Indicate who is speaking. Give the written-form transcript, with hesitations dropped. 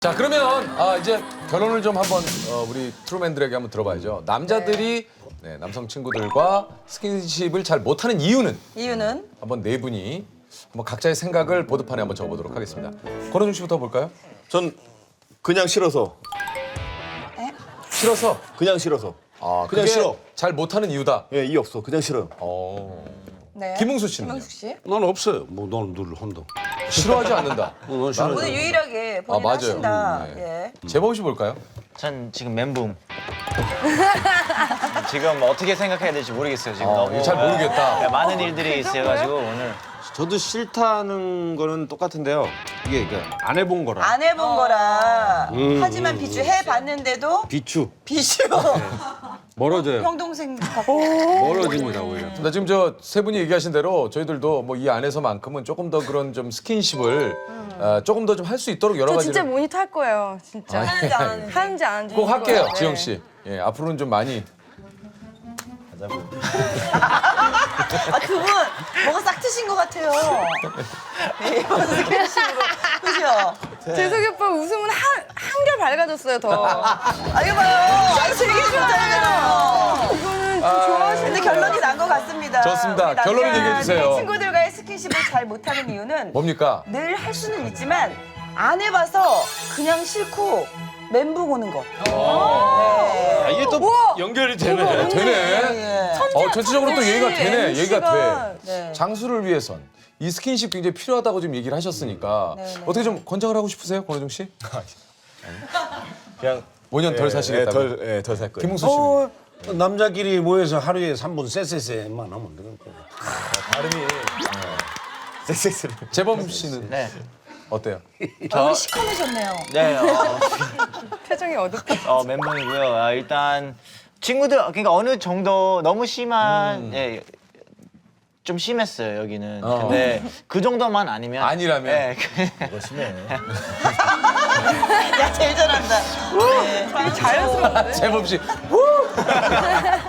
Speaker 1: 자 그러면 이제 결론을 좀 한번 우리 트루맨들에게 한번 들어봐야죠. 남자들이 네, 남성 친구들과 스킨십을 잘 못하는 이유는 한번 네 분이 한번 각자의 생각을 보드판에 한번 적어보도록 하겠습니다. 권호중 씨부터 볼까요?
Speaker 2: 전 그냥 싫어서.
Speaker 1: 싫어서.
Speaker 2: 그냥 싫어서.
Speaker 1: 그냥
Speaker 2: 그냥 싫어.
Speaker 1: 잘 못하는 이유다.
Speaker 2: 예, 이 없어. 그냥 싫어요.
Speaker 3: 네.
Speaker 1: 김웅수 씨는
Speaker 3: 김웅수 씨.
Speaker 4: 난 없어요. 뭐 넌 늘 한다.
Speaker 1: 싫어하지 않는다.
Speaker 4: 넌 싫어.
Speaker 3: 오늘 유일하게 본인
Speaker 1: 맞아요.
Speaker 3: 하신다.
Speaker 1: 네.
Speaker 3: 예.
Speaker 1: 재범 씨 볼까요?
Speaker 5: 전 지금 멘붕. 지금 어떻게 생각해야 될지 모르겠어요. 지금 너무
Speaker 1: 잘 모르겠다.
Speaker 5: 네, 많은 일들이 있어가지고 오늘
Speaker 4: 저도 싫다는 거는 똑같은데요. 이게 안 해본 거라.
Speaker 3: 안 해본 거라. 하지만 비추 해봤는데도
Speaker 4: 비추
Speaker 3: 비추.
Speaker 4: 멀어져요.
Speaker 3: 형 동생 같고.
Speaker 4: 멀어집니다 오히려.
Speaker 1: 나 지금 저 세 분이 얘기하신 대로 저희들도 뭐 이 안에서만큼은 조금 더 그런 좀 스킨십을 조금 더 좀 할 수 있도록 여러
Speaker 6: 저
Speaker 1: 가지를
Speaker 6: 진짜 모니터 할 거예요. 진짜.
Speaker 3: 하는지 안 하는지.
Speaker 6: 하는지 안 하는지.
Speaker 1: 꼭 할게요,
Speaker 6: 네.
Speaker 1: 지영 씨. 예, 앞으로는 좀 많이.
Speaker 3: 그분 뭐가 싹 트신 것 같아요. 네, 이번 스킨십으로. 그죠?
Speaker 6: 재석이 오빠 웃음은 한결 밝아졌어요, 더.
Speaker 3: 이거 봐요. 되게 좋잖아요.
Speaker 6: 이거는 좀 좋아하시는
Speaker 3: 근데 결론이 난 것 같습니다.
Speaker 1: 좋습니다.
Speaker 3: 우리 남자들이
Speaker 1: 결론을 얘기해 주세요.
Speaker 3: 친구들과의 스킨십을 잘 못하는 이유는
Speaker 1: 뭡니까?
Speaker 3: 늘 할 수는 있지만 안 해봐서 그냥 싫고 멘붕 오는 것. 네.
Speaker 4: 이게 또 연결이 되네.
Speaker 1: 되네.
Speaker 3: 예.
Speaker 1: 전체적으로 또 얘기가 되네. 얘기가 돼.
Speaker 3: 네.
Speaker 1: 장수를 위해선 이 스킨십 굉장히 필요하다고 지금 얘기를 하셨으니까
Speaker 3: 네.
Speaker 1: 어떻게 좀 권장을 하고 싶으세요, 권호중 씨?
Speaker 2: 그냥
Speaker 1: 5년 덜 사시겠다고.
Speaker 2: 덜 살 거예요.
Speaker 1: 김웅수 씨는?
Speaker 4: 남자끼리 모여서 하루에 3분 쎄쎄쎄만 하면 되는 거예요.
Speaker 2: 발음이 섹스를.
Speaker 1: 재범 씨는
Speaker 5: 네.
Speaker 1: 어때요?
Speaker 3: 얼굴이 시커매셨네요.
Speaker 5: 네
Speaker 6: 표정이 어둡게.
Speaker 5: 멘붕이고요. 일단 친구들 그러니까 어느 정도 너무 심한 예, 좀 심했어요 여기는. 근데 그 정도만 아니면
Speaker 1: 아니라면?
Speaker 5: 네,
Speaker 2: 이거 심해.
Speaker 3: 야, 제일 잘한다. 네.
Speaker 6: 되게 자연스러운데?
Speaker 1: 재범 씨.